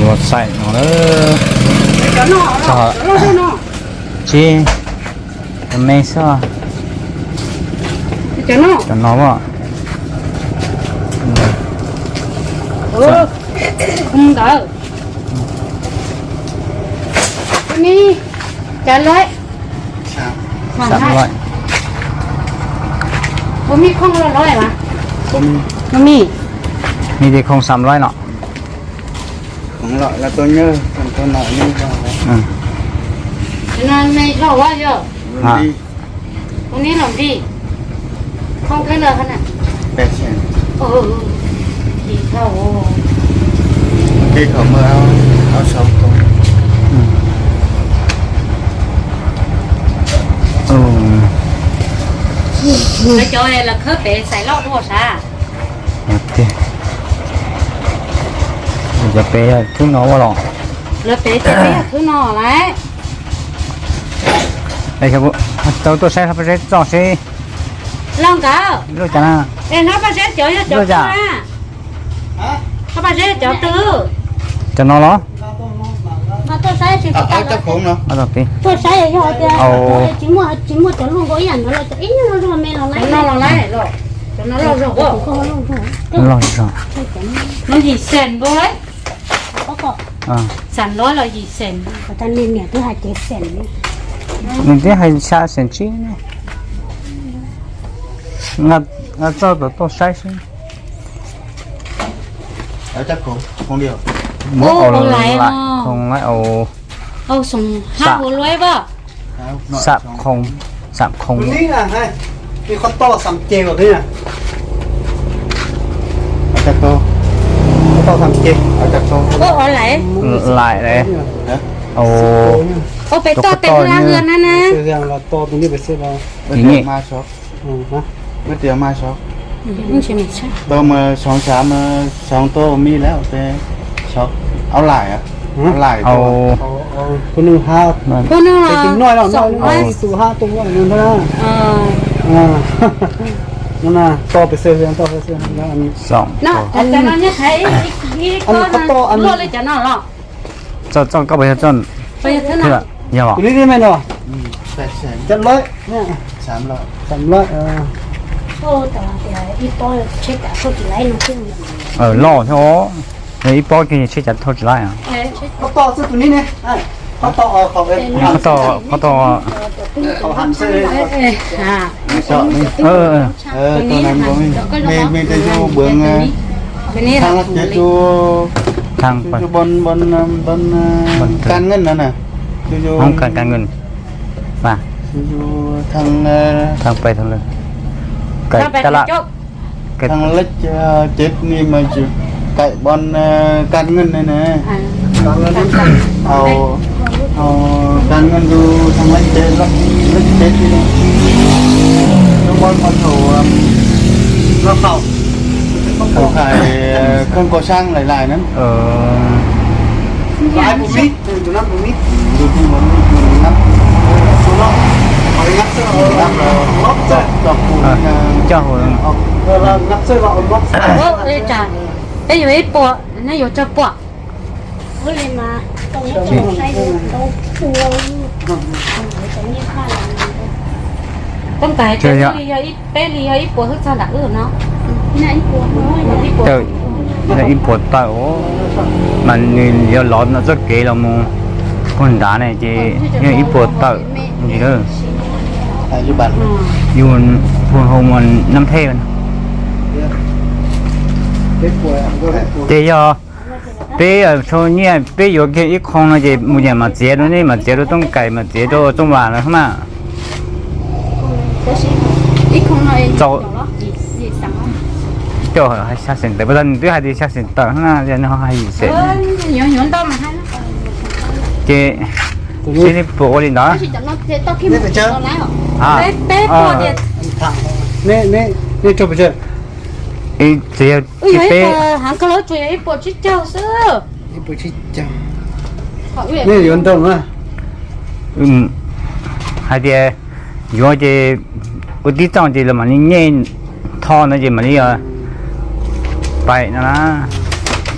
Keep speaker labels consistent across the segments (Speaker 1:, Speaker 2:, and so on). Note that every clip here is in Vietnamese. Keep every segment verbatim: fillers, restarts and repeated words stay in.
Speaker 1: một sậy nó sợ chi mày sao
Speaker 2: cho nó
Speaker 1: cho nó mà
Speaker 2: ừ không đỡ mi trả lời
Speaker 1: sắm lại
Speaker 2: bố mi không lo nói mà
Speaker 3: bố
Speaker 2: bố mi
Speaker 1: mi thì không sắm lại nọ
Speaker 3: không loại là tôi nhớ còn tôi nói như vậy
Speaker 1: ừ.
Speaker 2: cho nên mày lo quá chưa
Speaker 1: À.
Speaker 3: đi
Speaker 2: bố mi làm đi không cái lời hơn à
Speaker 3: bé trẻ
Speaker 2: ừ thì thầu
Speaker 3: khiเขาmơ áo áo sống không
Speaker 1: Ừ.
Speaker 2: cái chỗ này là khớp để xài lót đúng không sao
Speaker 1: Ok. Giờ bé thứ nó quá lọ.
Speaker 2: là để cho bé thứ nọ lại
Speaker 1: Đây các bố. Tôi tôi sẽ phải rất rõ sẽ
Speaker 2: long cả
Speaker 1: rồi chả na.
Speaker 2: em nó phải chết chỗ cho chỗ
Speaker 1: Rồi
Speaker 2: tư
Speaker 1: dạ.
Speaker 2: à nó phải chết chỗ tư
Speaker 1: Cho nó đó.
Speaker 2: mà tôi sai thì
Speaker 3: áo áo chắc khốn nó
Speaker 1: Ở đây.
Speaker 2: tôi sai rồi
Speaker 1: Ồ.
Speaker 2: chỉ mua chỉ mua chỗ luôn có ảnh nó là chỗ ít nó rồi mẹ nó lấy nó là lấy rồi cho nó lo rồi không
Speaker 1: Nó rồi rồi.
Speaker 2: nó gì sền vô đấy
Speaker 1: À.
Speaker 2: sàn nói là gì sền người ta nên nhà thứ hai chế sền đi
Speaker 1: Mình thấy hay xa sền chi này. Ngặt ngặt cho tôi tôi sai xin.
Speaker 3: áo chắc khốn không điều
Speaker 1: Ồ lại không lại ồ
Speaker 2: ô sùng hai hồ lưới bơ
Speaker 1: sạp không sạp không.
Speaker 4: Ní nè, hayมีคนโตสามเจแบบนี้นะ
Speaker 3: áo chắc tô
Speaker 4: โตสามเจ
Speaker 3: áo chắc tô
Speaker 2: ô ở lại
Speaker 1: Lại đấy. Ồ
Speaker 2: ô phải to tiền ra hơn nè nè
Speaker 4: เรื่องเราโตตรงนี้ไปเสียเรา
Speaker 3: mới
Speaker 1: Ý nhỉ?
Speaker 3: tiền mai shop
Speaker 4: อืมฮะ
Speaker 3: mới tiền mai shop
Speaker 2: không chỉ mình sao
Speaker 3: tôi mà sáng sáng mà sáng tô mi léo thế shop áo lại à áo lại
Speaker 1: ồ
Speaker 4: เอาเอาคนหนึ่งห้า
Speaker 2: cô nữa
Speaker 4: ไป
Speaker 2: là
Speaker 4: กินน้อยแล้วน้อย
Speaker 2: sòng
Speaker 4: น้อย
Speaker 2: ấy
Speaker 4: ตัวห้าตัวว่านั่นนะ
Speaker 2: ờ
Speaker 4: อ่านั่นน่ะโตไปเสียเรื่องโตไปเสียแล้วอันนี้
Speaker 1: giọng
Speaker 2: nó cho nó nhớ thấy cái con nó lên cho nó lọ
Speaker 1: cho cho các bạn cho
Speaker 2: bây giờ thế
Speaker 1: thế
Speaker 2: nào
Speaker 1: ạ nhiều ạ
Speaker 4: ตัวนี้ได้ไหมเนาะ
Speaker 3: ừ, sạch sẽ
Speaker 4: เจ็ดร้อยเนี่ย
Speaker 3: sám lợi
Speaker 4: สามร้อยเออ
Speaker 2: ô tao thì ít bò chết cả thôi chỉ lấy nó chứ
Speaker 1: ở lò thôi đấy bao cái chơi chặt thôi chỉ lại à
Speaker 4: เขาโตซื้อตัวนี้เนี่ยไอ้เขาโตเอาเขาเอง
Speaker 1: เขาต่อเขาต่อ
Speaker 4: เขาหันซื้อ
Speaker 2: à
Speaker 3: sợ đi
Speaker 1: ờ ờ
Speaker 3: ờ tôi làm có mình mình mình tới chỗ bướng
Speaker 2: bên này
Speaker 3: thang
Speaker 2: là
Speaker 3: lắc chế chỗ
Speaker 1: thằng
Speaker 3: chỗ
Speaker 1: phải
Speaker 3: bon bon bon
Speaker 1: Bon thử.
Speaker 3: can ngân nữa nè chỗ chỗ
Speaker 1: không cần cần ngừng và
Speaker 3: chỗ chỗ thằng
Speaker 1: thằng phải thằng lên cái
Speaker 2: tao phải
Speaker 1: cái lạ
Speaker 2: chốt
Speaker 1: cái
Speaker 3: thằng lách chết ni mà chịu cậy bon can ngân này nè
Speaker 2: à
Speaker 3: ao ao can ngân du thằng lách chết lách lách chết đi chỗ bon con thủ
Speaker 4: เราเข้า
Speaker 3: thủ khải không có sang lại lại nữa
Speaker 1: ờ
Speaker 4: หลายปุ่มนี้ตัวนั้นปุ่มนี้
Speaker 3: ดูที่มันนับ
Speaker 4: ตัวนั้นเอางัดเสื้อเอา
Speaker 3: นับเรา
Speaker 4: ล็อกเสื้อ
Speaker 3: ดอกคูณ
Speaker 1: cho hồi
Speaker 4: เออเรางัดเสื้อเราเอาล็อกเสื้อ
Speaker 2: ô đây trả đây有一波那有这波我来嘛等一等晒都多con cái
Speaker 1: Chơi
Speaker 2: cái
Speaker 1: ạ.
Speaker 2: li ấy bé li ấy của hết sao đã ở nó này của nó đi của
Speaker 1: trời là im bột tao mà nhìn giờ lót nó rất kỹ là mu con đá này chị nhưng im bột tao gì đó
Speaker 3: à như bạn
Speaker 1: dùng phun hồng mình năm thê mình
Speaker 4: เด็กป่วยก็เด็กป่วย
Speaker 1: bây giờ bây giờ cho như bây giờ cái ít con là gì một nhà mà chế nó này mà chế nó trong cày mà chế nó trong bàn nữa không à
Speaker 2: ít không nói
Speaker 1: Cho-
Speaker 2: gì gì sẵn
Speaker 1: cho hay sát sinh tại bây giờ hai đi sát sinh tao nó giờ nó hay gì sẽ
Speaker 2: ơ nhỏ nhỏ to mà hay nó
Speaker 1: chị chị đi bộ đi đó
Speaker 2: chỉ chẳng nó thế to khi mà nó lái
Speaker 1: à
Speaker 2: bé bé
Speaker 1: à.
Speaker 2: to điện
Speaker 4: ทางนี่นี่นี่จบไปเจอ
Speaker 1: ý chị
Speaker 2: ui
Speaker 1: chị
Speaker 2: ấy
Speaker 1: bé
Speaker 2: mà hàng cái lối chơi ấy bộ chít trâu sữa
Speaker 4: นี่ไปชิดจัง
Speaker 2: họ
Speaker 4: นี่อยู่ตรงอ่ะ
Speaker 1: ừ hai đi vô chị ở đi trong chị là mà nghe thò nó gì mà đi rồi vậy nó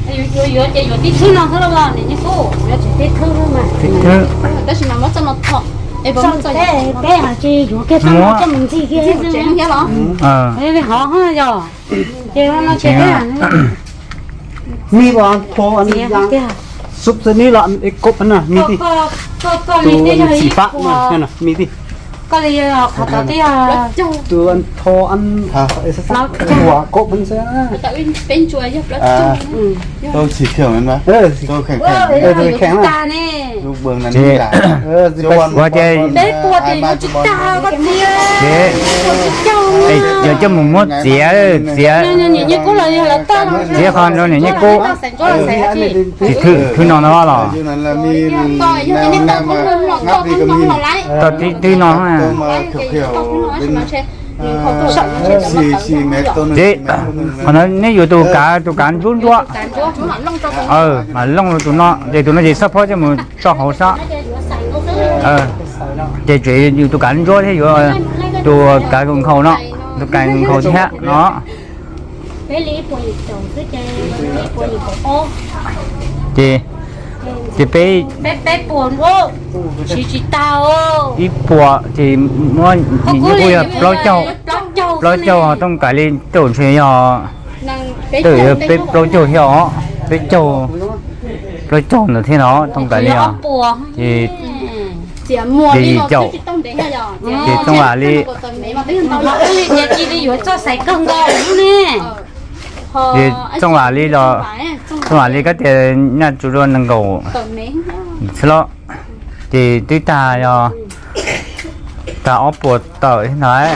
Speaker 2: 有有有有啲村咯，好啦喎，你個有啲啲村嘛。
Speaker 1: thứ
Speaker 5: 但是那么这么痛，哎，不
Speaker 2: 上
Speaker 5: 这
Speaker 2: bé bé là chỉ有cái thằng nó cho mình gì kia chứ.
Speaker 5: 这样了，
Speaker 1: ờ
Speaker 2: Cái cái họ ha rồi. Chứ nó chỉ
Speaker 1: Dạ.
Speaker 2: cái là
Speaker 4: มีบ่พออัน
Speaker 2: gì
Speaker 4: นี้
Speaker 2: á
Speaker 4: ยัง
Speaker 2: kia.
Speaker 4: ซุปตัวนี้ละไอ้กบอันน่ะมี
Speaker 2: Có
Speaker 4: ที่
Speaker 2: có có có
Speaker 4: ตัว
Speaker 2: lý cái
Speaker 4: สี
Speaker 2: gì
Speaker 4: ฟ้ามา
Speaker 2: của
Speaker 4: นั่นน่ะมีที่
Speaker 2: có lý là họ có cái à
Speaker 4: ตัวอันพออันไอ้สักหัวกบมันซะ
Speaker 5: แต่เป็นเป็นช่วยยับแล้ว
Speaker 3: À,
Speaker 2: อืม
Speaker 3: tôi chỉ kiểuนั้นไหม
Speaker 4: เออ
Speaker 3: tôi khỏe
Speaker 2: เออ
Speaker 3: khỏe
Speaker 2: เอออยู่จิตาเนี่ย
Speaker 3: ลูกเบืองนั้น
Speaker 1: Chị.
Speaker 3: นี่แหละ
Speaker 4: เออสิไป
Speaker 1: qua chơi
Speaker 2: เด็กปวดอยู่จิตาก็เสีย
Speaker 1: chế
Speaker 2: เจ้า
Speaker 1: ấy giờ cho một mốt dĩa dĩa
Speaker 2: เนี่ยเนี่ยเนี่ยกูเลยlà tao
Speaker 1: dĩa con rồi này như cô thì thứ thứ nó nó là
Speaker 3: ชื่อนั้นละมี
Speaker 5: ต่อยยังนี่ต้องต้องต้อง
Speaker 3: งับดี
Speaker 5: ต้
Speaker 3: ก็
Speaker 5: อง
Speaker 3: มี
Speaker 5: ต้องไล่
Speaker 1: tao tí tí nó
Speaker 3: ตัว
Speaker 1: à
Speaker 3: มาเขียวๆเป็น
Speaker 5: เขาตัว
Speaker 3: สี่สี่เมตรตัวหนึง
Speaker 1: chế mà nó nếu như tụi cá tụi cá rút quá
Speaker 5: การจ้วจุ่มหันลงตัว
Speaker 1: ờ mà lông rồi tụi nó thì tụi nó chỉ sắp hết cho mình cho hậu sao ờ thì chỉ như tụi cá rút thế rồi tụi cá cùng khâu nó tụi cá cùng khâu thế nó
Speaker 2: bé lý bùi chồng cứ chơi lý bùi ô
Speaker 1: thì thì bé
Speaker 2: bé bé buồn ô chỉ chỉ tao ô
Speaker 1: ít bùa thì nó nhìn như bây giờ lo châu
Speaker 2: châu
Speaker 1: lo châu họ trong cái lên tổ chuyện họ
Speaker 5: นั่งเป็น
Speaker 1: từ
Speaker 5: เจ้า
Speaker 1: bé lo châu hiểu họ bé châu lo châu là thế nó trong cái lên họ
Speaker 2: buồn
Speaker 1: thì
Speaker 5: เสียมัวนี่เราจะต้องเดี๋ยว
Speaker 1: thì trong là đi
Speaker 5: ตัวนี้มาเป็นตัว
Speaker 2: nhà chị đi vừa cho sấy cân gò nè
Speaker 1: thì trong là đi là trong là đi cái tiền nhà chủ luôn nâng cầu
Speaker 5: ตัวนี้
Speaker 1: đó thì tôi ta cho ta ốp bột tỏi thế này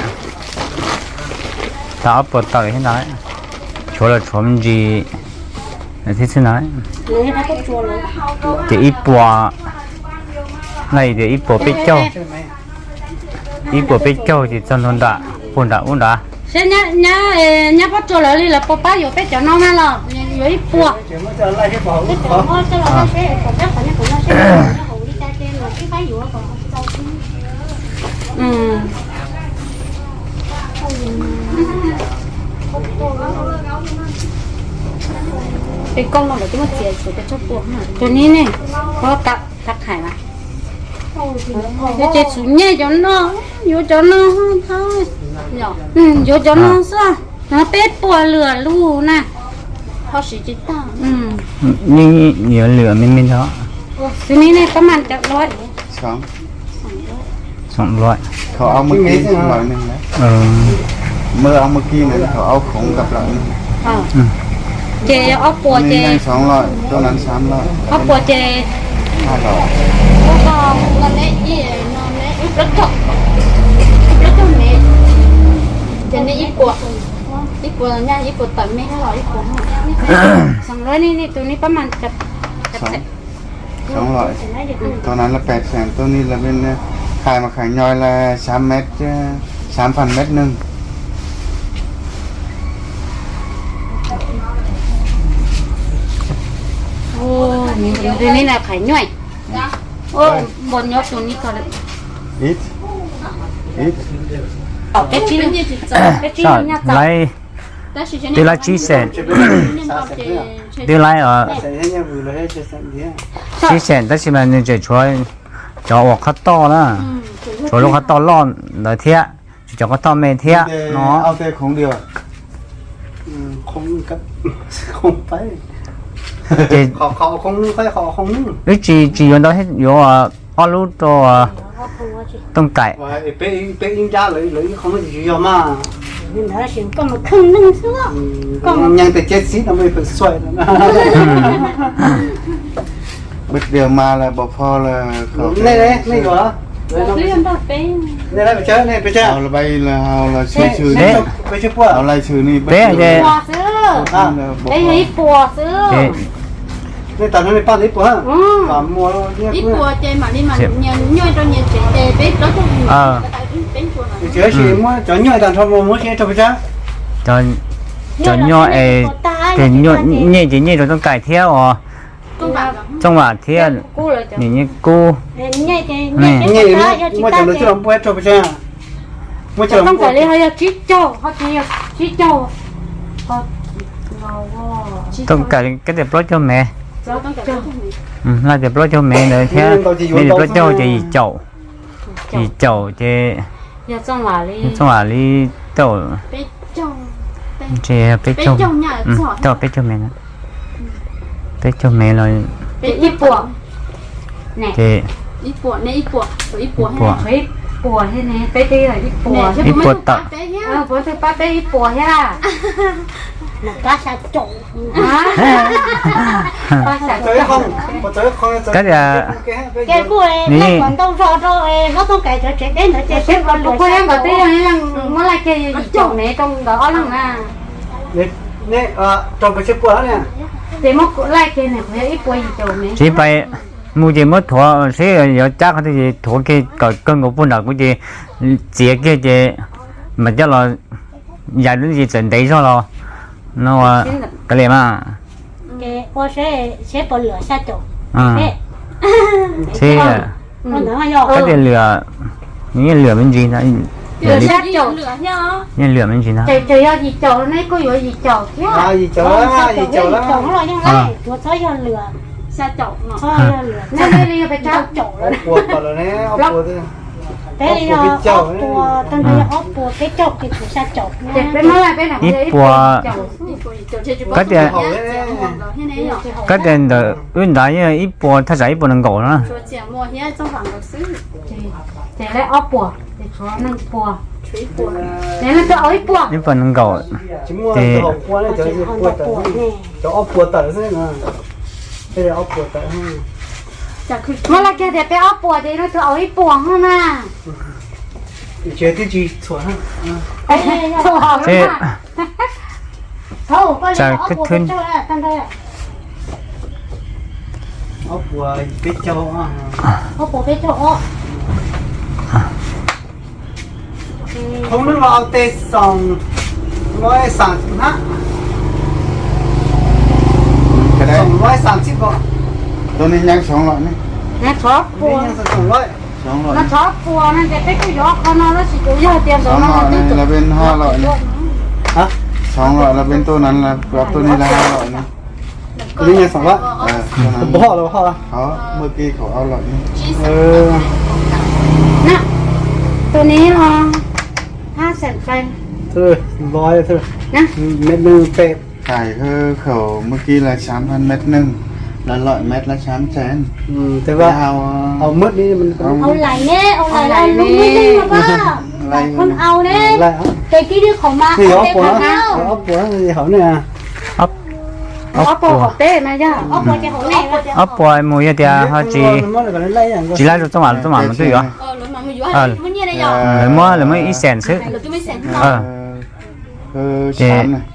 Speaker 1: ta ốp bột tỏi thế này chỗ là chỗ gì là thế thế này
Speaker 2: lấy nó có chua rồi
Speaker 1: thì ít bò này thì ít bò bít châu ít bò bít châu thì chân hơn đã buồn đã buồn đã
Speaker 2: sẽ nhá nhá nhá bắt chua rồi đi là bố bá vừa bé cho nó mà là vừa ít bùa cái chỗ nó cho nó sẽ còn chắc phải nó cũng nó sẽ nó hủ đi ra trên là cái cái vừa còn ừ
Speaker 5: cái con nó là cái mất tiền của cái chốt buộc hả?
Speaker 2: cho nên này có tắc tắc hải mà để chơi xuống nhẹ cho nó vô cho nó thôi
Speaker 5: Nhỏ,
Speaker 2: ừ vô cho nó sao nó bết bùa lửa lù nè
Speaker 5: họ chỉ chỉ ta.
Speaker 2: ừ
Speaker 1: như nhiều lửa mình mình đó
Speaker 2: cái này này có màn chặt lói
Speaker 3: สอง
Speaker 1: sống loại
Speaker 3: เขาเอาเมื่อกี้หน่อยหนึงนะ
Speaker 1: ờ
Speaker 3: เมื่อเอาเมื่อกี้เนี่ยเขาเอาของกับเรา
Speaker 2: ờ chè ốc bùa
Speaker 3: นี่
Speaker 2: chè
Speaker 3: ให้สองร้อยตัวนั้นสามร้อย
Speaker 2: ốc bùa chè
Speaker 3: ห้าร้อย
Speaker 5: Có con, con đấy, gì nó đấy, ít rất chọc. Ít rất chọc mẹ. Cho nên ít của. Ít của nha, ít của tận mẹ hay là ít của hả?
Speaker 2: xong rồi này này tụi này có màn chặt
Speaker 3: สองสองร้อยตัวนั้นละแปดแสนตัวนี้ละเป็นขายมาขายย่อยละสามเมตรสามพันเมตรหนึ่ง
Speaker 2: ô mình tụi này là phải nhảy ô bọn nhóc tụi này có được
Speaker 3: อิทอิท
Speaker 2: ở cái chi
Speaker 5: Bên như chị sợ.
Speaker 2: cái chi
Speaker 1: sao
Speaker 2: nha cháu
Speaker 1: lấy
Speaker 5: Ta chỉ cho
Speaker 1: tôi
Speaker 5: nên
Speaker 1: lấy chi sen
Speaker 5: nên học chè- chè-
Speaker 1: tôi lấy ở
Speaker 4: sẽ nhà vừa là hết sẽ gì
Speaker 1: chi sen tất nhiên là như chơi chuối cho hoặc khát to đó chuối lúc khát to lon là thiệt cho khát to mềm thiệt
Speaker 3: เอา
Speaker 1: nó
Speaker 3: แต่ของเดียว
Speaker 4: คงกับคงไป
Speaker 1: thì
Speaker 4: ขอขอคงค่อยขอคง
Speaker 1: cái chỉ chỉ dùng đó hết vô à ở lúc đó tông cải
Speaker 4: ว่าไอ้เป๊ะเป๊ะยิงจ้าเลยเลยคงไม่อยู่ยอมมา
Speaker 2: mình đã xin có một khăn nâng xuống
Speaker 4: ยังแต่เจ็ดสิบเราไม่เปิดสวยนะ
Speaker 3: บึกเดียวมาแล้วบ่พอแล้วเขา
Speaker 4: นี่เลยนี่ก่อน
Speaker 5: Cái em bảo bé.
Speaker 4: นี่ได้ไปเจอนี่ไปเจอ
Speaker 3: เอาละใบละเอาละชื่อชื่อ
Speaker 1: Đấy.
Speaker 4: ไปเจอพวก
Speaker 3: เอาอะไรชื่อนี่
Speaker 1: Bé vậy.
Speaker 2: bùa xứ
Speaker 3: À.
Speaker 2: đấy là ít bùa xứ
Speaker 1: thì
Speaker 4: นี่ตอนนั้นในป้านี่ปวด
Speaker 2: ừ
Speaker 4: สามมัวเนี่ย
Speaker 5: Ít của chè mà đi mà nhờ nhoi cho nhờ chè chè bé đó cho mình.
Speaker 1: Ờ.
Speaker 5: Tại vì bé chùa này.
Speaker 4: เจอสิมัวจอหน่อยตอนทำมัวมัวเชี่ยจะไปเจอ
Speaker 1: cho cho nho ấy thì nho nhẹ chỉ nhẹ rồi tông cải thiệt à
Speaker 5: Con bảo là
Speaker 1: trong mà thiệt
Speaker 2: cô là chồng
Speaker 1: nhìn như cô
Speaker 2: nhảy thì
Speaker 1: Nè.
Speaker 2: nhảy
Speaker 4: นี่
Speaker 2: cái ta cho chị
Speaker 4: มัว
Speaker 2: ta
Speaker 4: จะรู้
Speaker 2: chè
Speaker 4: ที่เราปวดจะไปเจอมัวจะ
Speaker 2: không phải là hơi chít châu họ chỉ chít châu họ
Speaker 1: Tôi cái cái đẹp lót cho mẹ.
Speaker 5: cho con cả cho
Speaker 1: Ừ, là đẹp lót cho mẹ nữa thế. Mẹ đẹp lót cho chị chậu. Chị chậu chị
Speaker 2: giờ xong là đi
Speaker 1: xong là đi chậu
Speaker 5: bé chồng
Speaker 1: chị bé
Speaker 5: bé
Speaker 1: chậu.
Speaker 5: chồng nhà
Speaker 1: Ừ,
Speaker 5: giỏi
Speaker 1: cho bé cho mẹ nữa. Bé cho mẹ rồi
Speaker 5: bé ít bùa
Speaker 2: nè
Speaker 1: chị
Speaker 5: ít bùa nè ít bùa ít bùa
Speaker 1: bùa.
Speaker 2: ít bùa thế này bé đi là ít bùa
Speaker 5: nè chứ
Speaker 1: ít
Speaker 5: bố
Speaker 1: bùa
Speaker 5: mới
Speaker 1: tạ.
Speaker 5: bé nhá
Speaker 2: ờ bữa thứ ba bé ít bùa ha
Speaker 5: một cá sa trộn
Speaker 2: ba sạc
Speaker 4: tới không có tới không
Speaker 1: Cái là
Speaker 5: cái cô em
Speaker 1: Nè.
Speaker 5: lấy còn đâu rồi rồi em nó không cài cho trẻ đến nữa trẻ
Speaker 2: xếp còn
Speaker 5: con
Speaker 2: lúc em có tí là nó lại cái gì chồng này trong đó lắm à
Speaker 4: nè ờ trong cái chiếc quần nè
Speaker 2: thì mất lại cái này phải ít bùa gì chồng này
Speaker 1: chỉ phải mua gì mất thua sẽ có chắc cái gì thua cái cái cân của phụ nữ của chị chị cái chị mà cho là giờ đến gì chuẩn đấy cho lo nó cái gì mà
Speaker 5: cái cô sẽ sẽ bỏ lửa sa trộn
Speaker 1: à thế
Speaker 5: nó nữa mà
Speaker 1: cái gì lửa những lửa bên gì đó lửa đi
Speaker 2: sát chồng
Speaker 1: những lửa bên gì đó
Speaker 2: trời trời ơi gì chồng này có gì chồng thế
Speaker 4: à gì chỗ đó gì chỗ đó
Speaker 5: trộn rồi nhưng này tôi thấy cho lửa sa trộn nó thôi lửa
Speaker 2: nên đây đi phải chọc
Speaker 5: trộn
Speaker 4: ốc bùa vào này ốc bùa thế
Speaker 5: thế thì ốc bùa tân thấy ốc bùa cái trộn thì cũng sa trộn
Speaker 2: để bên nó lại bên nào
Speaker 1: ít bùa cái gì cái gì đó nguyên đại như ít bùa thay giải bùa năng cổ đó
Speaker 2: để lại ốc bùa để cho năng bùa để nó cho ít bùa
Speaker 1: ít bùa năng cổ
Speaker 4: chỉ mua cái hộp quần này cho cái quần tờ cho ốc bùa tờ thế nè đây là ốc bùa tờ
Speaker 2: mà là cái để bé ốc bùa thì nó cho ít bùa hơn à
Speaker 4: chế tiêu chí chuẩn ha
Speaker 1: thế
Speaker 5: thôi có
Speaker 1: Chà,
Speaker 5: lẽ ốc
Speaker 1: cái
Speaker 5: bùa
Speaker 1: thun.
Speaker 5: cái trộn là tân thấy
Speaker 4: ốc bùa biết châu
Speaker 5: ốc bùa cái trộn
Speaker 4: không biết vào tê sòng nói sản ha
Speaker 3: cái đấy
Speaker 4: sòng nói sản chip gọi
Speaker 3: tôi nên nhang sống lại này
Speaker 2: nó chót
Speaker 4: đi
Speaker 2: bùa
Speaker 4: nhang sòng loại
Speaker 3: sống
Speaker 2: nó
Speaker 3: lại
Speaker 2: chót bùa nó để cái cái gió con nó nó chỉ có giờ tiền rồi
Speaker 3: sống
Speaker 2: nó
Speaker 3: lại này là bên hai loại này
Speaker 4: hả
Speaker 3: sống lại là bên tôi này là và tôi này là hai loại này
Speaker 4: đi nhang sòng loại
Speaker 3: ờ tôi này
Speaker 4: bỏ rồi bỏ rồi
Speaker 3: đó mưa kia khẩu ao loại này
Speaker 4: ừ
Speaker 2: nèตัวนี้รอห้าแสนแฟน
Speaker 4: thôi nói thôi
Speaker 2: นะ
Speaker 4: mét nương tệ
Speaker 3: cải hư khẩu mưa kia là sám hơn mét nưng là loại mét là sám chén
Speaker 4: ừ thế
Speaker 3: cái
Speaker 4: vào
Speaker 3: hào
Speaker 4: เอามืดนี่มัน
Speaker 5: เอาไหลเนี่ยเอาไหลเอาลุงไม่ได้หรอป้าคนเอาเนี่ย
Speaker 4: lại hả
Speaker 5: แต่กี้ที่เขามา
Speaker 4: thì
Speaker 5: เอา
Speaker 4: ốc
Speaker 5: เด็ก
Speaker 4: của
Speaker 5: มา
Speaker 4: nó
Speaker 5: เอา
Speaker 4: ốc của nó gì hảo nè
Speaker 1: อ๊อบ
Speaker 2: อ๋อปวดเต้มาจ้ะ
Speaker 5: เอาหัวจะเขาแน่ว่าจะ
Speaker 1: อ๊อบปวยมวยเดียวเขาจี
Speaker 4: nó là cái lấy à
Speaker 1: chỉ lấy được trong bản trong bản một tí nữa
Speaker 5: เออหรือมันไม่อยู่ให้มันเนี่ยได้หรอ
Speaker 1: rồi mua là mới ít sèn xứ
Speaker 5: หรือจะไม่เสร็จ
Speaker 1: ờ
Speaker 3: hư sám này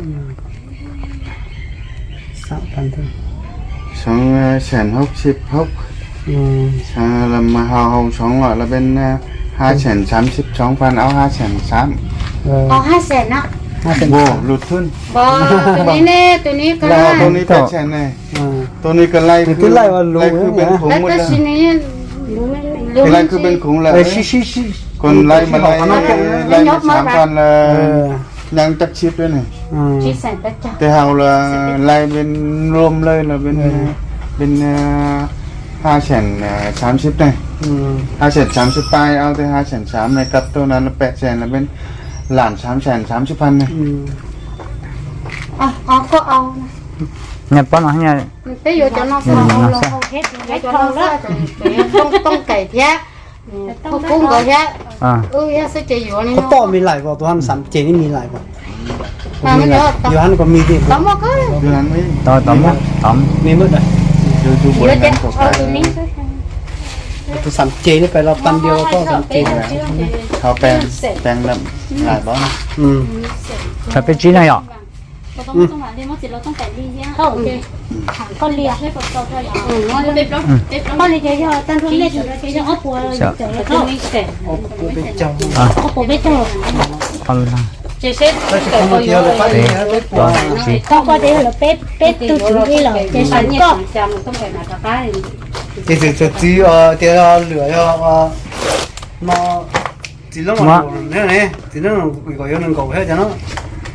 Speaker 4: sắp thành thôi
Speaker 3: sống sèn hốc xịp hốc
Speaker 4: ừ
Speaker 3: sang là mà hào hồng sống loại là bên hai sèn sám xịp sống phan áo hai sèn sám
Speaker 2: อ๋อห้าแสนนะ
Speaker 4: hai cent
Speaker 3: vô lụt thun
Speaker 2: บอตัวนี้เน่ตัวนี้ก็
Speaker 3: là tôi này cái sèn này
Speaker 4: ừ
Speaker 3: tôi này cái lay
Speaker 4: Thì cứ lay vào lùi
Speaker 3: lay cứ
Speaker 4: nữa
Speaker 3: bên
Speaker 4: nhỉ?
Speaker 3: khủng
Speaker 2: แล้ว
Speaker 3: một
Speaker 2: ก็
Speaker 3: lần
Speaker 2: ชิ้นนี้
Speaker 3: cái lay cứ bên khủng là
Speaker 4: Ê, xí xí xí
Speaker 3: còn lay mà lay
Speaker 4: nó
Speaker 3: lay mà sám phan là
Speaker 4: ừ
Speaker 3: nhang chắc chip đấy này
Speaker 4: ừ
Speaker 2: ชิ้นแสนแปดจ้ะ
Speaker 3: cái hào là lay bên rôm lay là bên bên hai sèn sám xếp này
Speaker 4: ừ
Speaker 3: hai sèn sám xếp tay ao tới hai sèn sám này cắt tôi là nó bẹt sèn là bên làn sám sèn sám xếp phan này
Speaker 4: ừ
Speaker 2: อ๋ออ๋อก็เอา
Speaker 1: nhập bón nó nha
Speaker 2: ไปอยู่จะนอกเอาลงเอาเฮ็ดให้จะนอกแล้วต้องต้องไก่แท้พวกกุ้งก็แท้
Speaker 1: ờ
Speaker 2: เออแท้สิจะอยู่นี่
Speaker 4: có to mi lại vào tôi ăn sắm chế mi lại vào
Speaker 2: มามันเยอะ
Speaker 4: อยู่หันก็มีดิ
Speaker 2: ตอมก็
Speaker 3: đưa hắn mới
Speaker 1: to tóm á tóm
Speaker 4: มีมืดอ่ะ
Speaker 3: đưa chú
Speaker 2: เย
Speaker 3: bữa
Speaker 2: อะจะ
Speaker 3: ăn của
Speaker 2: เอาตัว
Speaker 3: cái
Speaker 2: นี้
Speaker 4: tôi sắm chếนี่ไปเราปันเดียวก็สามchế
Speaker 3: thao pen pen đậm lại bó này
Speaker 4: อืม
Speaker 1: phải biết chín này ạ
Speaker 5: เราต้องต้องหาเรียนว่าเสร็จเราต้องแต่ดีเนี่ย
Speaker 2: เข้าโอเค
Speaker 5: ก็เรียกให้ฝนตกเท่าไหร่
Speaker 2: อืมงั้น
Speaker 5: เด็บแล้วเด็บแล้ว
Speaker 2: ก็เลยจะยอตั้งที่เล็กอยู่แล้วจะเอาปัวเลยจะเข้าไม่เสร็จ
Speaker 4: ô cô biết chồng
Speaker 1: à
Speaker 2: เอาปัวไม่จบ
Speaker 1: con luôn
Speaker 2: จะเสร็จ
Speaker 4: đây sẽ không có thiếu được phải
Speaker 1: Đấy.
Speaker 4: biết
Speaker 1: to gì
Speaker 5: ก็ก็เดี๋ยวเราเป็ดเป็ดตู้ถึงที่เราจะสั่นก็
Speaker 2: จำต้องไปหาตาป้า
Speaker 4: thì thì thì chỉ ờ thì ờ lửa ờ nó chỉ lúc mà nữa này thì nó gọi gọi nó gọi hết cho nó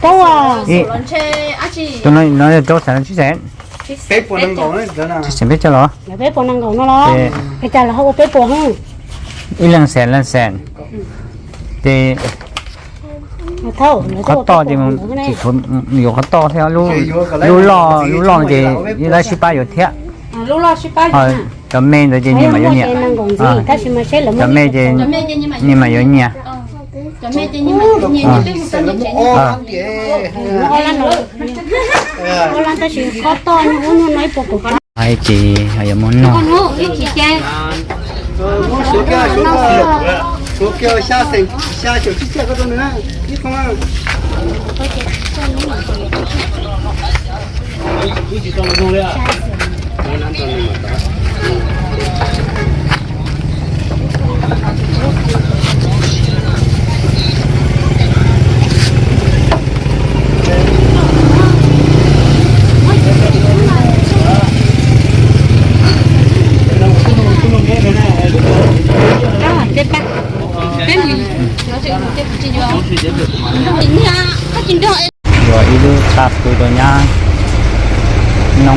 Speaker 2: cháu à
Speaker 1: ý
Speaker 5: lần chơi á chị
Speaker 1: tôi nói nói cho sản xuất sản
Speaker 3: bé của nó còn đấy đó là
Speaker 1: sản biết cho nó
Speaker 2: nhà bé bọn năng cầu nó lo
Speaker 1: Thì-
Speaker 2: cái cha là không có bé bọn không
Speaker 1: ít lần sản lần sản thì
Speaker 2: thâu
Speaker 1: khó to thì mình chỉ thôi nhiều khó to theo lu lu lo lu lo thì như là ship bao nhiêu thế
Speaker 2: lúc lo ship bao
Speaker 1: ờ tầm men rồi thì nhưng mà giống nhỉ
Speaker 2: năng cầu gì ta chỉ mà sẽ là
Speaker 1: tầm men thì
Speaker 5: cho mẹ chơi nhưng mà
Speaker 1: nhưng mà giống nhỉ
Speaker 5: cho mẹ chơi nhưng mà nhìn
Speaker 1: Ờ.
Speaker 5: như cái một cái chuyện
Speaker 3: ô lắm kìa
Speaker 2: nó lan rồi nó lan ta chỉ khó to nhưng nó nói bộ của con
Speaker 1: ai chị hay muốn nó
Speaker 2: con hổ ít chỉ chơi
Speaker 3: số kia số kia số kia xa thành xa chỗ chiếc xe có đâu nữa biết không à
Speaker 2: đó là cái bát cái gì
Speaker 5: nó sẽ cái chuyện gì không chính nha các chuyện đó
Speaker 1: rồi đi đưa sạp tôi rồi nha nông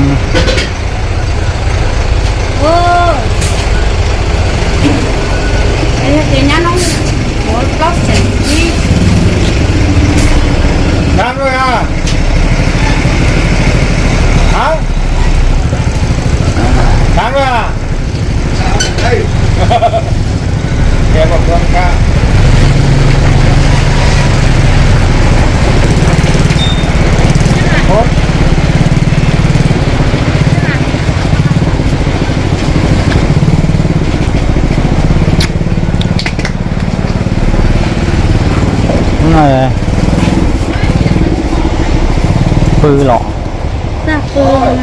Speaker 2: ô cái thì nhá nó một lót chảy đi
Speaker 3: đang rồi à hả đang rồi à đây kẹp vào con ca
Speaker 1: đúng rồi phư lọ
Speaker 2: ra phương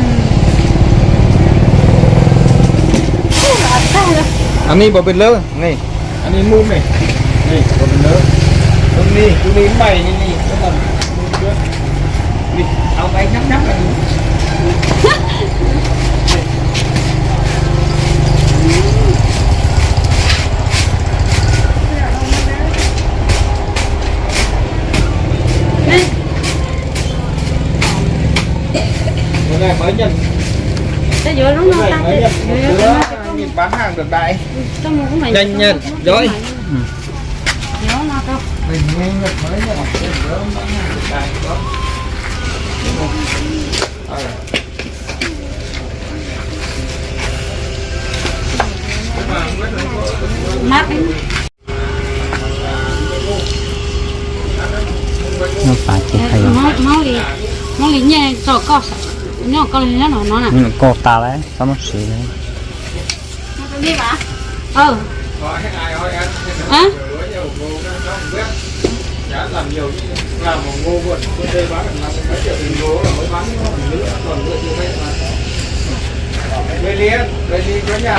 Speaker 3: anh đi bảo bên lớn này anh đi mua này này bảo bên lớn hôm đi tôi đi mày đi đi cái lần đi ao bay nhắm nhắm này bữa nay mới nhận
Speaker 2: cái giữa lúc nó
Speaker 3: bữa
Speaker 2: ta
Speaker 3: nay mới nhận một
Speaker 2: cái
Speaker 3: đứa nhìn bán hàng được đại
Speaker 2: trong một cái mày
Speaker 3: nhanh nhận rồi
Speaker 2: nó nó đâu
Speaker 3: mình nghe nhận mới nhận một đứa bán hàng được đại đó
Speaker 2: mát
Speaker 1: nó phải chỉ hay
Speaker 2: máu máu lì máu lì nhẹ cho co nó co lì nó nó nè
Speaker 1: nhưng cô ta đấy có một sự đấy
Speaker 2: đi bà ừ hả
Speaker 3: làm nhiều làm một ngô vượt tôi đây bán được năm mấy triệu tiền ngô là mới bán còn nữa còn nữa chưa hết mà về liền về đi có nhà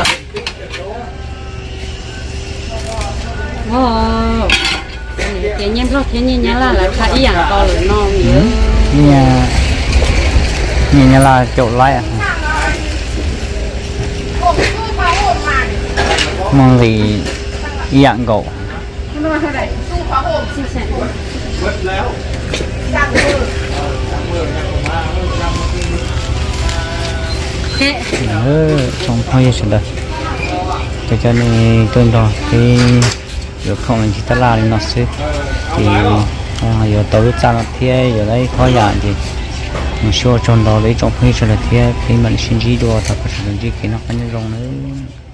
Speaker 2: ồ cái nhân thôi thế nhân nhá là là khai ý à co rồi nó nhiều
Speaker 1: nhà nhà nhà là chỗ lại à mong gì dạng gỗ
Speaker 3: mấtแล้ว
Speaker 2: thế
Speaker 1: ừ trong hơi sự đời cho cho nên tôi đó thì được không mình chỉ ta la lên nó xí thì giờ tôi biết sao nó thế giờ đấy khó dạng gì một số trong đó lấy trong hơi sự đời thế thì mình xin gì đồ ta có sự gì khi nó có những rong nữa